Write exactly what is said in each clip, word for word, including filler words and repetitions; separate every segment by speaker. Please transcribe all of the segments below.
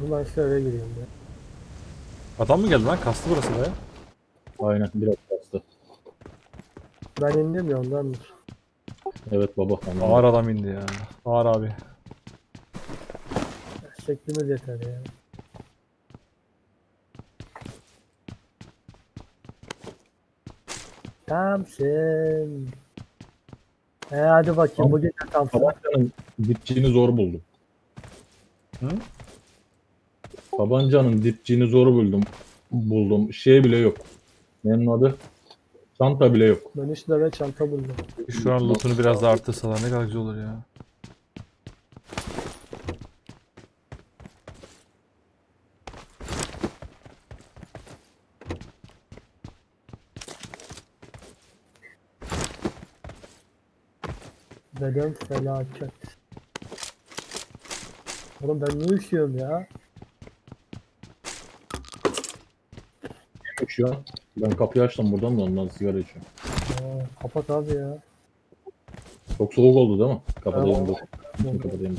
Speaker 1: Ben işte eve giriyorum ya.
Speaker 2: Adam mı geldi lan? Kastı burası be.
Speaker 3: Aynen biraz bastı.
Speaker 1: Ben indim ya ondandır.
Speaker 3: Evet baba. Tamam.
Speaker 2: Ağır adam indi ya. Ağır abi.
Speaker 1: Şeklimiz yeter ya. Tamsın. He hadi bakayım
Speaker 3: Tamam.
Speaker 1: bugün de Tamsın.
Speaker 3: Tabancanın dipçiğini zor buldum.
Speaker 2: Hı?
Speaker 3: Tabancanın dipçiğini zor buldum. Buldum. Şey bile yok. Nenin adı? Çanta bile yok.
Speaker 1: Ben üç lira çanta buldum.
Speaker 2: Şu an lootunu biraz daha arttırsalar ne kadar güzel olur ya.
Speaker 1: Dedem felaket. Oğlum ben niye üşüyorum ya?
Speaker 3: Şu an. Ben kapıyı açtım buradan da ondan sigara içiyorum.
Speaker 1: Aa, kapat abi ya.
Speaker 3: Çok soğuk oldu değil mi? Kapatayım
Speaker 1: Evet.
Speaker 3: dur. Bütün kapatayım.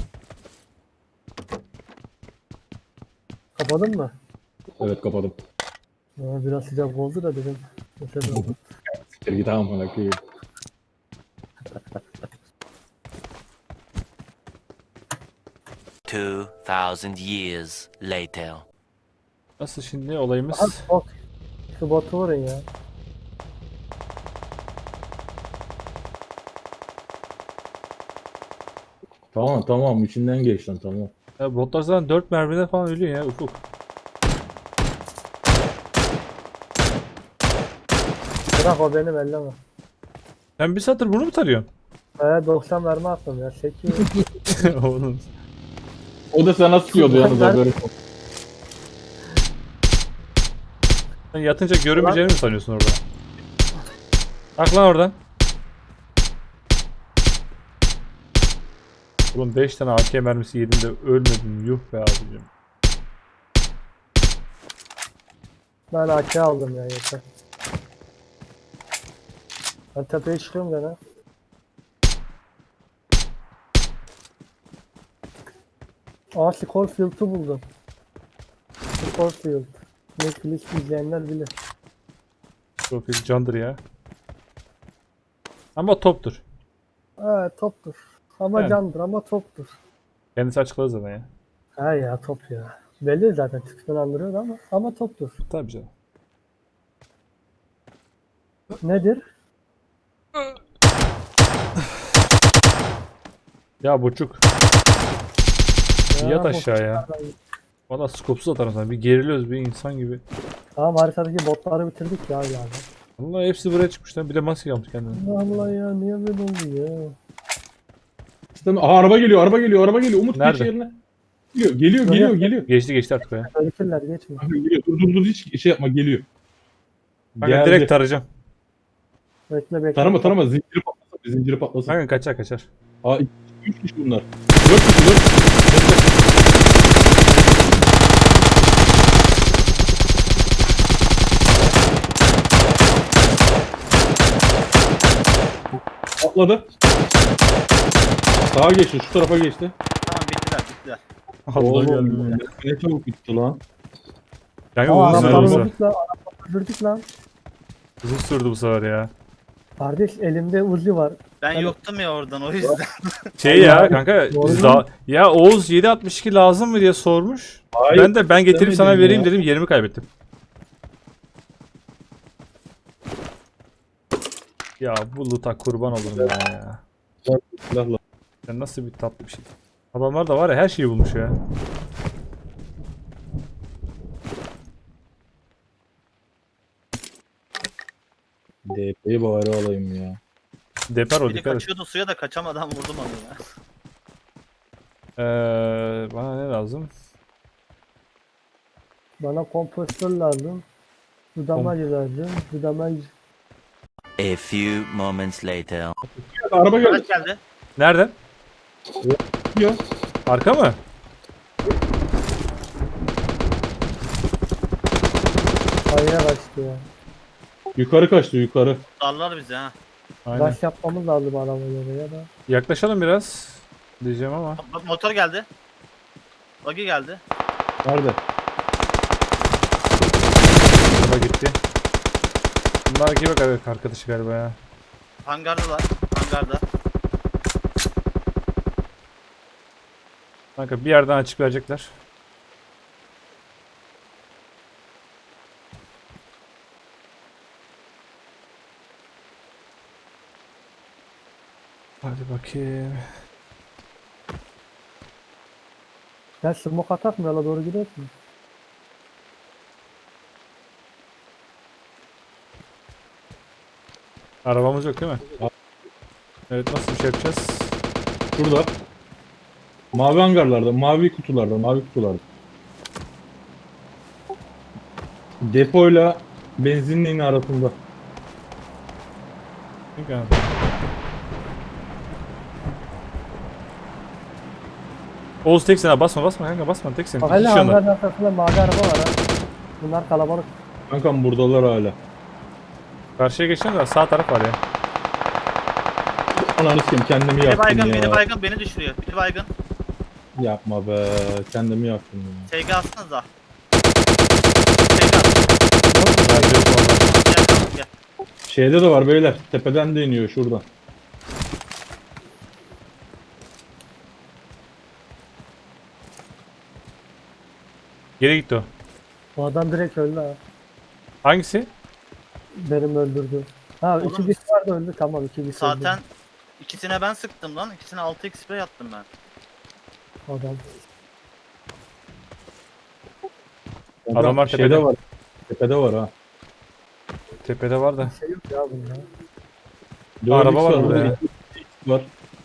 Speaker 1: Kapadın mı?
Speaker 3: Evet kapadım.
Speaker 1: Aa, biraz sıcak oldu da dedim. Mesela
Speaker 3: Siktir git amına koyayım.
Speaker 4: Two thousand years later.
Speaker 2: Nasıl şimdi olayımız?
Speaker 1: Aha bot. Şu botu vurun ya.
Speaker 3: Tamam tamam içinden geç lan tamam.
Speaker 2: Ya botlar zaten dört mermide falan ölüyor ya Ufuk.
Speaker 1: Bırak o benim elleme.
Speaker 2: Sen bir satır bunu mu tarıyorsun?
Speaker 1: Ee, doksan mermi attım ya. Çekiyor.
Speaker 2: Oğlum.
Speaker 3: O da sana sıkıyordu yalnız
Speaker 1: Ben-
Speaker 3: haberi.
Speaker 2: Sen yatınca görünmeyeceğini mi sanıyorsun orada? Bak lan oradan. Oğlum beş tane A K mermisi yedim de ölmedim. Yuh be abicim.
Speaker 1: Ben A K aldım ya yeter. Ben tepeye çıkıyorum gene. Aa Scorefield'ı buldum. Scorefield. Netflix izleyenler bilir.
Speaker 2: Profil candır ya. Ama toptur.
Speaker 1: Ha toptur. Ama
Speaker 2: Yani.
Speaker 1: candır ama toptur.
Speaker 2: Kendisi açıkladı zaten ya.
Speaker 1: Ha ya top ya. Belli zaten tipinden andırıyor ama ama toptur.
Speaker 2: Tabii canım.
Speaker 1: Nedir?
Speaker 2: Ya buçuk.
Speaker 1: Ya,
Speaker 2: Yat
Speaker 1: bu-
Speaker 2: aşağıya. Valla skopsuz atarım sana. Bir geriliyoruz bir insan gibi.
Speaker 1: Tamam haritadaki botları bitirdik ya yani.
Speaker 2: Vallahi hepsi buraya çıkmış lan. Bir de maske yapmış kendine.
Speaker 1: Allah Allah ya niye böyle oldu ya?
Speaker 3: İşte, Aa, araba geliyor araba geliyor araba geliyor. Umut
Speaker 2: Nerede?
Speaker 3: geç yerine. Geliyor geliyor geliyor geliyor.
Speaker 2: Geçti geçti artık o ya.
Speaker 1: Öyküller geçmiyor.
Speaker 3: Kanka geliyor. Dur dur dur hiç şey yapma geliyor.
Speaker 2: Kanka
Speaker 3: Geldi.
Speaker 2: direkt tarayacağım.
Speaker 1: Bekle bekle.
Speaker 3: Tarama tarama zinciri patlasın zinciri patlasın.
Speaker 2: Kanka kaçar kaçar.
Speaker 3: Aa üç kişi bunlar. dört kişi dört kişi. Atladı. Sağa geçti şu tarafa geçti.
Speaker 5: Tamam bittiler bittiler.
Speaker 2: Allah
Speaker 3: Oğlum,
Speaker 2: geldi.
Speaker 3: ne çabuk bitti lan.
Speaker 2: Kanka
Speaker 1: Aa
Speaker 2: uzun sürdü
Speaker 1: arabaları
Speaker 2: bu sefer.
Speaker 1: vurduk lan. Arabaları vurduk lan.
Speaker 2: Uzun sürdü bu sefer ya.
Speaker 1: Kardeş elimde Uzi var.
Speaker 5: Ben
Speaker 1: Ben-
Speaker 5: yoktum ya oradan o yüzden.
Speaker 2: Şey ya kanka
Speaker 1: Doğru
Speaker 2: biz
Speaker 1: mu?
Speaker 2: daha... Ya Oğuz yedi altmış iki lazım mı diye sormuş.
Speaker 3: Hayır,
Speaker 2: Ben de ben getirip sana
Speaker 3: istemedim
Speaker 2: vereyim
Speaker 3: ya.
Speaker 2: dedim yerimi kaybettim. Ya bu loot'a kurban olurum ben ya.
Speaker 3: Silahla.
Speaker 2: Sen nasıl bir tatlı bir şey. Adamlar da var ya her şeyi bulmuş ya.
Speaker 3: D P'yi bari alayım ya.
Speaker 2: Deper o
Speaker 5: Biri
Speaker 2: dikkat et.
Speaker 5: kaçıyordu suya da kaçamadan vurdum onu ya.
Speaker 2: Ee, bana ne lazım?
Speaker 1: Bana kompostör lazım. Budamacı lazım. Budamacı.
Speaker 4: A few moments later.
Speaker 3: Araba geldi.
Speaker 5: Araç geldi.
Speaker 2: Nereden?
Speaker 3: Ya.
Speaker 2: Arka mı?
Speaker 1: Kayaya kaçtı ya.
Speaker 3: Yukarı kaçtı yukarı.
Speaker 5: Darlar bizi ha.
Speaker 2: Aynen.
Speaker 1: Rush yapmamız lazım arabayla ya da.
Speaker 2: Yaklaşalım biraz diyeceğim ama.
Speaker 5: Bak motor geldi. Buggy geldi.
Speaker 3: Nerede?
Speaker 2: Araba gitti. Bunlar gibi bak abi arkadaşı galiba ya.
Speaker 5: Hangardalar. Hangarda.
Speaker 2: Kanka bir yerden açık verecekler. Hadi bakayım.
Speaker 1: Ya smoke atak mı? Yola doğru gidiyor mu?
Speaker 2: Arabamız yok değil mi? Evet, nasıl bir şey yapacağız?
Speaker 3: Şurada. Mavi hangarlarda, mavi kutularda, mavi kutularda. Depoyla benzinliğin arasında.
Speaker 2: Kanka. Oğuz teksin ha, basma basma kanka, basma teksin.
Speaker 1: Bak
Speaker 2: İki
Speaker 1: hele
Speaker 2: kişi onlar.
Speaker 1: hangarın arkasında mavi araba var ha. Bunlar kalabalık.
Speaker 3: Kankam buradalar hala.
Speaker 2: Karşıya geçeceğim de sağ taraf var ya.
Speaker 3: Ananı sikeyim, kendimi
Speaker 5: Biri
Speaker 3: yaktım
Speaker 5: baygın,
Speaker 3: ya.
Speaker 5: biri baygın beni düşürüyor. Biri baygın.
Speaker 3: Yapma be, kendimi yaktım ya.
Speaker 5: T G atsanıza. T G at.
Speaker 2: Bence yok valla.
Speaker 5: Gel kanka gel.
Speaker 3: Şeyde de var beyler, tepeden de iniyor şuradan.
Speaker 2: Geri gitti o.
Speaker 1: O adam direkt öldü ha.
Speaker 2: Hangisi?
Speaker 1: Benim öldürdü. Ha
Speaker 5: Oğlum,
Speaker 1: iki kişi vardı öldü. Tamam iki kişi
Speaker 5: Zaten
Speaker 1: öldü.
Speaker 5: ikisine ben sıktım lan. İkisine altı x spray attım ben.
Speaker 1: Adam.
Speaker 3: Kankam,
Speaker 2: Adamlar
Speaker 3: şeyde
Speaker 2: tepede.
Speaker 3: var. Tepede var ha.
Speaker 2: Tepede var da.
Speaker 1: Şey yok ya bunda.
Speaker 3: Dört
Speaker 2: Araba
Speaker 3: X
Speaker 2: var burada ya.
Speaker 3: iki X var.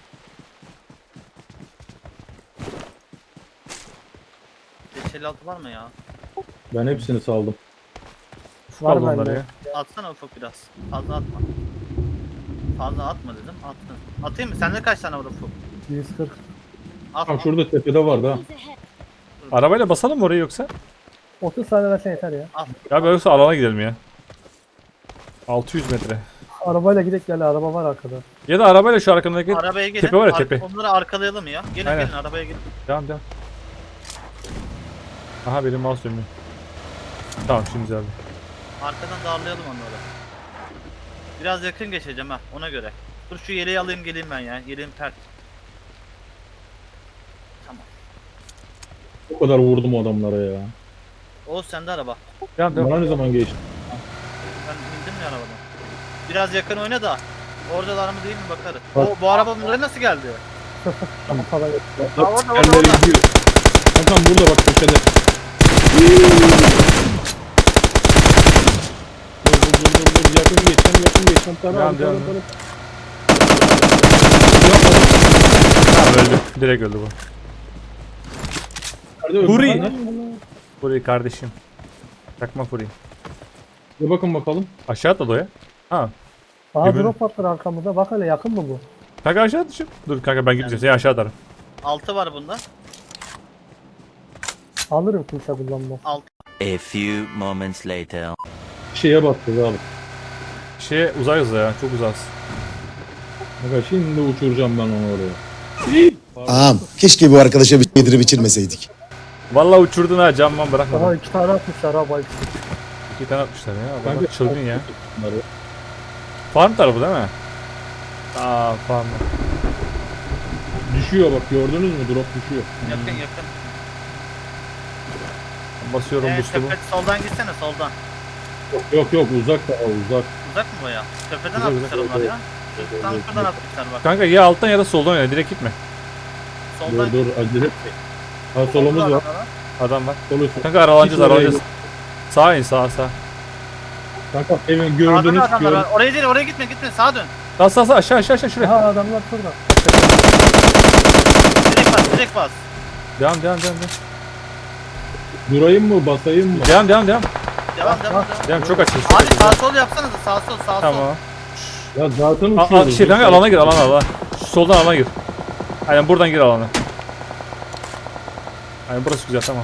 Speaker 5: beş elli altı var mı ya?
Speaker 3: Ben hepsini saldım.
Speaker 1: Var
Speaker 2: Var bunlar
Speaker 1: bende.
Speaker 2: ya.
Speaker 5: Atsana ufak biraz. Fazla atma. Fazla atma dedim. Attın. Atayım mı? Sende kaç tane var ufak?
Speaker 1: yüz kırk.
Speaker 5: Atma.
Speaker 3: Tamam şurada tepede vardı ha.
Speaker 2: Arabayla basalım mı orayı yoksa?
Speaker 1: otuz saniye versen yeter ya.
Speaker 2: Ya böyle yoksa alana gidelim ya. altı yüz metre.
Speaker 1: Arabayla gidek gel araba var arkada.
Speaker 2: Ya da arabayla şu arkamdaki
Speaker 5: Arabaya gelin.
Speaker 2: tepe var ya,
Speaker 5: Ar-
Speaker 2: tepe.
Speaker 5: Onları arkalayalım ya. Gelin
Speaker 2: Aynen.
Speaker 5: gelin arabaya gelin.
Speaker 2: Devam devam. Aha benim mouse dönüyor. Tamam şimdi güzeldi.
Speaker 5: Arkadan darlayalım onları. Biraz yakın geçeceğim ha ona göre. Dur şu yeleği alayım geleyim ben ya. Yeleğim pert. Tamam.
Speaker 3: O kadar vurdum o adamlara ya.
Speaker 5: Oğuz sende araba.
Speaker 2: Devam devam.
Speaker 3: Bana ne zaman geçti?
Speaker 5: Ben indim ya arabadan. Biraz yakın oyna da. Oradalar mı değil mi bakarız.
Speaker 3: Bak.
Speaker 5: O, bu araba buraya nasıl geldi?
Speaker 1: Tamam falan yok.
Speaker 5: orada, orada,
Speaker 3: Tekerleri
Speaker 5: orada.
Speaker 3: gidiyor. Kankam burada bak köşede. Dur dur dur dur dur yakın geçeceğim yakın geçeceğim. Tara
Speaker 2: Devam,
Speaker 3: abi tara
Speaker 2: devam.
Speaker 3: tara.
Speaker 2: Tamam öldü. Direkt öldü bu.
Speaker 3: Nerede öldü
Speaker 2: Huri.
Speaker 3: lan?
Speaker 2: Furi kardeşim. Takma Furi.
Speaker 3: Bir bakın bakalım.
Speaker 2: Aşağı atladı o ya. Ha.
Speaker 1: Aha
Speaker 2: Gibi.
Speaker 1: drop attır arkamızda. Bak hele yakın mı bu?
Speaker 2: Kanka aşağı düşün. Dur kanka ben gideceğim. Seni aşağı atarım.
Speaker 5: Altı var bunda.
Speaker 1: Alırım kimse kullanmaz.
Speaker 5: Altı.
Speaker 4: A few moments later.
Speaker 3: Şeye bastık abi.
Speaker 2: Şeye uzayız ya. Çok uzağız.
Speaker 3: Bak şimdi uçuracağım ben onu oraya.
Speaker 6: Ağam keşke bu arkadaşa bir şey yedirip içirmeseydik.
Speaker 2: Vallahi uçurdun ha, camman bırakmadın.
Speaker 1: Aha iki tane atmışlar ha bayık.
Speaker 2: İki tane atmışlar ya.
Speaker 3: Kanka,
Speaker 2: Adamlar çılgın ya.
Speaker 3: Bunları.
Speaker 2: Farm tarafı değil mi? Aa farm.
Speaker 3: Düşüyor bak gördünüz mü? Drop düşüyor.
Speaker 5: Yakın yakın.
Speaker 2: Basıyorum
Speaker 5: Ee,
Speaker 2: boost'u bu.
Speaker 5: tepe, soldan gitsene soldan.
Speaker 3: Yok yok uzak daha uzak.
Speaker 5: Uzak mı baya? Tepeden
Speaker 2: Uzak,
Speaker 5: atmışlar
Speaker 2: uzak.
Speaker 5: onlar ya. Şu, tam şuradan atmışlar bak.
Speaker 2: Kanka ya alttan ya da soldan ya. Direkt gitme.
Speaker 5: Soldan
Speaker 3: Dur dur acele etme. Ha solumuz var.
Speaker 5: adamlar.
Speaker 2: Adam var.
Speaker 3: Solu.
Speaker 2: Kanka aralanacağız
Speaker 3: Hiç oraya
Speaker 2: aralanacağız.
Speaker 3: yok.
Speaker 2: Sağa in sağa sağa.
Speaker 3: Kanka evin
Speaker 5: Sağdan
Speaker 3: gördünüz
Speaker 5: adamlar
Speaker 3: gör.
Speaker 5: var. Oraya değil oraya gitme gitme sağa dön.
Speaker 2: Sağ sağ sağ aşağı aşağı aşağı şuraya.
Speaker 1: Aha adamlar şurada.
Speaker 5: Direkt bas direkt bas.
Speaker 2: Devam devam devam devam.
Speaker 3: Durayım mı basayım mı?
Speaker 2: Devam devam devam.
Speaker 5: Devam devam devam.
Speaker 2: Devam çok açız. Çok
Speaker 5: Abi
Speaker 2: açız.
Speaker 5: sağ sol yapsanıza sağ sol sağ sol.
Speaker 2: Tamam.
Speaker 3: Ya zaten
Speaker 2: A, a,
Speaker 3: uçuyoruz.
Speaker 2: şey kanka alana gir alana alana. Şu soldan alana gir. Aynen buradan gir alana. Aynen burası güzel tamam.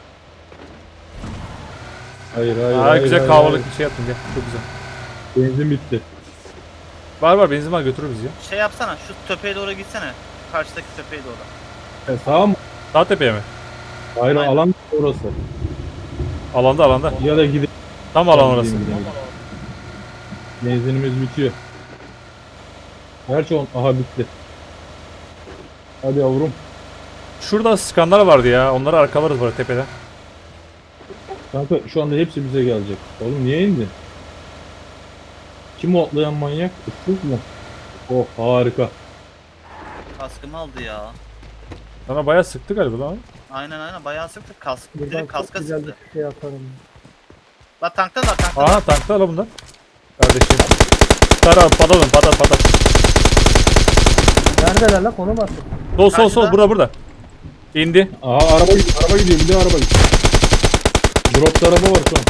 Speaker 3: Hayır hayır.
Speaker 2: Aa
Speaker 3: hayır,
Speaker 2: güzel
Speaker 3: hayır,
Speaker 2: kahvalık
Speaker 3: hayır.
Speaker 2: bir şey yaptın gel. Çok güzel.
Speaker 3: Benzin bitti.
Speaker 2: Var var benzin var götürür bizi ya.
Speaker 5: Şey yapsana şu tepeye doğru gitsene. Karşıdaki tepeye doğru.
Speaker 3: E, sağ mı?
Speaker 2: Sağ tepeye mi?
Speaker 3: Hayır
Speaker 5: Aynen.
Speaker 3: alan orası.
Speaker 2: Alanda alanda.
Speaker 3: Ya da gidip
Speaker 2: Tam alan orası.
Speaker 3: Gideyim, gideyim. Benzinimiz bitiyor. Gerçi on aha bitti. Hadi yavrum.
Speaker 2: Şurada skanlar vardı ya. Onları arkalarız böyle tepede.
Speaker 3: Kanka şu anda hepsi bize gelecek. Oğlum niye indin? Kim o atlayan manyak? Ufuk mu? Oh harika.
Speaker 5: Kaskımı aldı ya.
Speaker 2: Sana bayağı sıktı galiba lan.
Speaker 5: Aynen aynen bayağı sıktık. Kask,
Speaker 1: Buradan
Speaker 5: direkt
Speaker 1: çok
Speaker 5: kaska
Speaker 1: güzel bir
Speaker 5: sıktı.
Speaker 1: şey atarım.
Speaker 5: La tankta da tankta da.
Speaker 2: Aha tankta ala bunlar. Kardeşim. Sar abi patlatın patat patat.
Speaker 1: Neredeler lan? Konum attık.
Speaker 2: Sol sol sol
Speaker 5: Karşıda.
Speaker 2: burada burada. İndi.
Speaker 3: Aha araba gidiyor, araba gidiyor, bir de araba gidiyor. Dropta araba var şu an.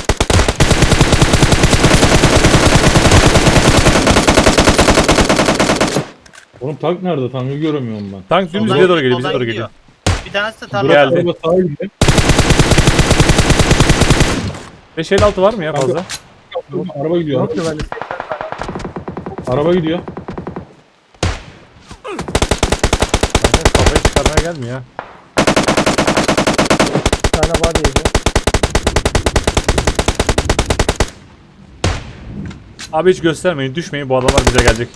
Speaker 3: Oğlum tank nerede? Tankı göremiyorum ben.
Speaker 2: Tank dümdüz
Speaker 5: Soldan
Speaker 2: bize doğru geliyor bize
Speaker 5: soldan
Speaker 2: doğru geliyor.
Speaker 5: Bir tanesi de
Speaker 3: Drop
Speaker 5: tarlada.
Speaker 2: Geldi.
Speaker 3: araba sağa gidiyor.
Speaker 2: beş elli altı var mı ya
Speaker 3: Kanka.
Speaker 2: fazla?
Speaker 3: Araba gidiyor.
Speaker 1: Yok ki
Speaker 3: Araba,
Speaker 1: bende.
Speaker 3: araba gidiyor.
Speaker 2: Kanka kafayı çıkarmaya gelmiyor ya.
Speaker 1: Bir tane body yedi.
Speaker 2: Abi hiç göstermeyin düşmeyin bu adamlar bize gelecek.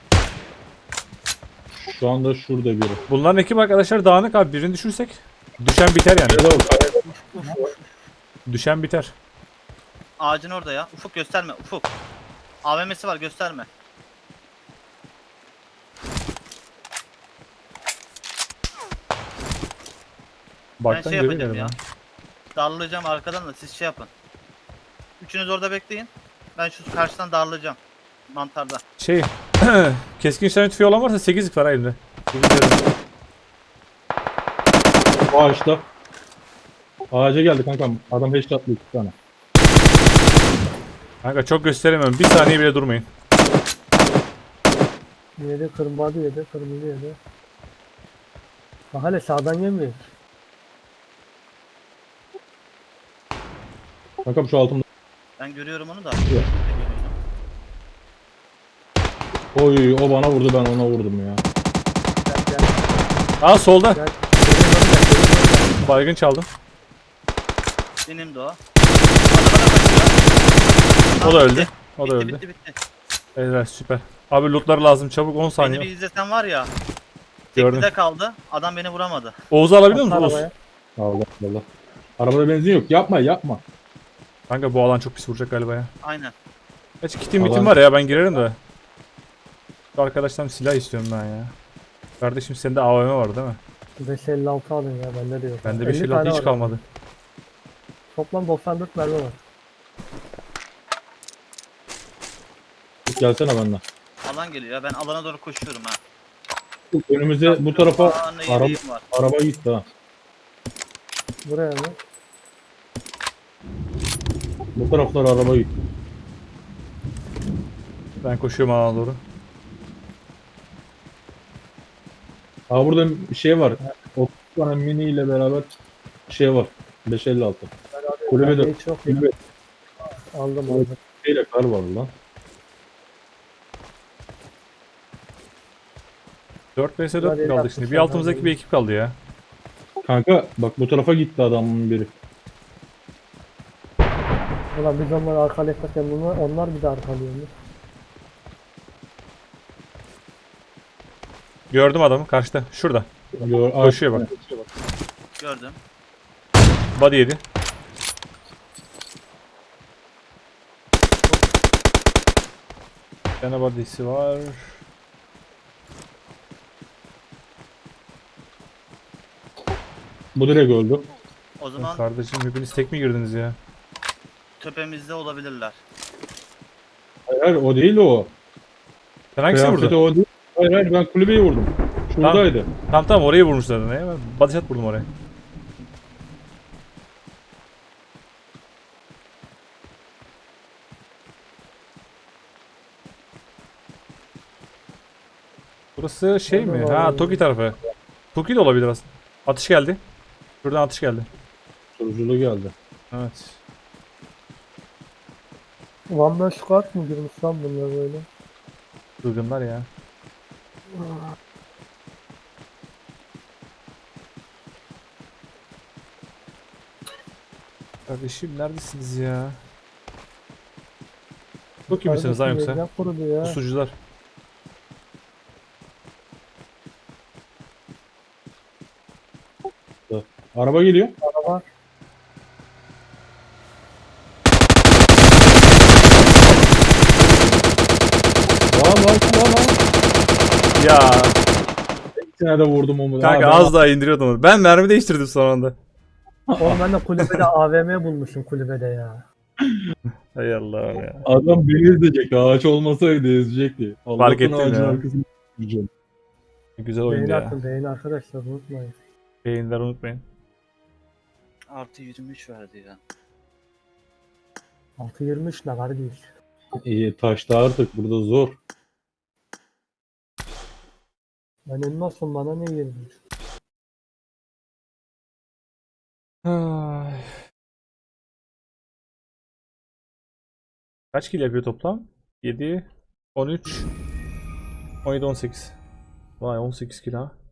Speaker 3: Şu anda şurada biri.
Speaker 2: Bunların ekip arkadaşlar dağınık abi birini düşürsek. Düşen biter yani.
Speaker 3: Nerede o? Kayada.
Speaker 2: Düşen biter.
Speaker 5: Ağacın orada ya. Ufuk gösterme Ufuk. A V M'si var gösterme.
Speaker 2: Baktan
Speaker 5: şey
Speaker 2: görüyor
Speaker 5: yapacağım
Speaker 2: galiba.
Speaker 5: ya. Darlayacağım arkadan da siz şey yapın. Üçünüz orada bekleyin. Ben şu karşıdan darlayacağım. Mantarda.
Speaker 2: Şey keskin işlem tüfeği olan varsa sekizlik var ha elimde. sekiz veririm.
Speaker 3: O ağaçta. Ağaca geldi kankam. Adam headshot'lı iki tane.
Speaker 2: Kanka çok gösteremiyorum. Bir saniye bile durmayın.
Speaker 1: Yedi, kırmızı body yedi, kırmızı yedi. Bak hele sağdan yemiyor.
Speaker 3: Kankam şu altımda.
Speaker 5: Ben görüyorum onu da.
Speaker 3: Oy o bana vurdu, ben ona vurdum ya.
Speaker 1: Gel gel
Speaker 2: Aa solda.
Speaker 1: gel. Geri dön gel, geri dön gel.
Speaker 2: Baygın çaldım.
Speaker 5: Benim de o. Arabada kaçıyor.
Speaker 2: O da
Speaker 5: Tamam,
Speaker 2: öldü.
Speaker 5: bitti.
Speaker 2: O da
Speaker 5: Bitti,
Speaker 2: öldü.
Speaker 5: bitti bitti.
Speaker 2: Evet süper. Abi lootlar lazım çabuk on
Speaker 5: Beni bir
Speaker 2: saniye.
Speaker 5: izlesen var ya.
Speaker 2: Gördüm.
Speaker 5: Teknede kaldı. Adam beni vuramadı.
Speaker 2: Oğuz'u alabiliyor musun
Speaker 1: Atla
Speaker 2: Oğuz?
Speaker 1: arabaya.
Speaker 3: Allah Allah. Arabada benzin yok. Yapma yapma.
Speaker 2: Kanka bu alan çok pis vuracak galiba ya.
Speaker 5: Aynen.
Speaker 2: Kaç kitim
Speaker 3: Alan-
Speaker 2: bitim var ya ben girerim de. Şu arkadaştan silah istiyorum ben ya. Kardeşim sende A V M var değil mi?
Speaker 1: beş elli altı alın ya bende de yok.
Speaker 2: Bende
Speaker 1: elli
Speaker 2: beş elli
Speaker 1: tane
Speaker 2: hiç
Speaker 1: var.
Speaker 2: kalmadı.
Speaker 1: Toplam doksan dört mermi var.
Speaker 3: Gelsene benden.
Speaker 5: Alan geliyor ya. Ben alana doğru koşuyorum ha.
Speaker 3: Önümüze bu tarafa
Speaker 5: Aa, ne
Speaker 3: araba,
Speaker 5: yediğim var.
Speaker 3: araba gitti ha.
Speaker 1: Buraya mı?
Speaker 3: Bu taraflar araba gitti.
Speaker 2: Ben koşuyorum alana doğru.
Speaker 3: Aa burada bir şey var. otuz tane mini ile beraber şey var. beş elli altı. Kulübede
Speaker 1: Bende hiç yok ya.
Speaker 3: kulübe
Speaker 1: Aldım aldım.
Speaker 3: şeyle kar var lan.
Speaker 2: dört vs
Speaker 1: Hadi
Speaker 2: dört kaldı
Speaker 1: yapmış
Speaker 2: şimdi. Bir
Speaker 1: adam
Speaker 2: altımızdaki
Speaker 1: yani.
Speaker 2: bir ekip kaldı ya.
Speaker 3: Kanka bak bu tarafa gitti adamın biri.
Speaker 1: Ulan biz onları arkalayacakken bunlar, onlar bir de arkalıyormuş.
Speaker 2: Gördüm adamı karşıda. Şurada.
Speaker 3: Gör,
Speaker 2: Koşuyor bak.
Speaker 5: Gördüm.
Speaker 2: Body yedi. Bir tane body'si var.
Speaker 3: Bu direkt öldü.
Speaker 5: O zaman
Speaker 2: Kardeşim hepiniz tek mi girdiniz ya?
Speaker 5: tepemizde olabilirler.
Speaker 3: Hayır, hayır o değil o.
Speaker 2: Sen hangisini
Speaker 3: Kıyafeti
Speaker 2: vurdun?
Speaker 3: o değil. Hayır hayır ben kulübeyi vurdum. Şuradaydı.
Speaker 2: Tamam tamam orayı vurmuşlar ne ya? Ben body shot vurdum oraya. Burası şey mi? Ha Toki tarafı. Toki de olabilir aslında. Atış geldi. Şuradan atış geldi.
Speaker 3: Sürücülü geldi.
Speaker 2: Evet.
Speaker 1: One Man Squad mı girmiş lan bunlar böyle?
Speaker 2: Çılgınlar ya. Kardeşim neredesiniz ya? Çok iyi misiniz lan
Speaker 1: Kardeşim,
Speaker 2: yoksa?
Speaker 1: yerden kurudu ya.
Speaker 2: Pusucular.
Speaker 3: Araba geliyor.
Speaker 1: Araba.
Speaker 3: Lan lan lan lan.
Speaker 2: Ya
Speaker 3: İkisine de vurdum onu.
Speaker 2: kanka
Speaker 3: Ha, ben-
Speaker 2: az daha indiriyordum onu. Ben mermi değiştirdim son anda.
Speaker 1: Oğlum ben de kulübede A V M bulmuşum kulübede ya.
Speaker 2: Hay Allah'ım ya.
Speaker 3: Adam beni ezecek. Ağaç olmasaydı ezecekti.
Speaker 2: Fark
Speaker 3: Allah'tan
Speaker 2: ettim
Speaker 3: ağacın
Speaker 2: ya.
Speaker 3: arkasına düşeceğim.
Speaker 2: Güzel oyundu
Speaker 1: Beğeni
Speaker 2: ya.
Speaker 1: atın beğeni arkadaşlar unutmayın.
Speaker 2: Beğenileri unutmayın.
Speaker 5: Artı yirmi üç verdi ya.
Speaker 1: altı yirmi üç ne kardeş?
Speaker 3: İyi taşta artık burada zor.
Speaker 1: Ben elmasım bana ne yirmi üç?
Speaker 2: Ay. Kaç kill yapıyor toplam? yedi, on üç, on yedi, on sekiz. Vay on sekiz kill ha.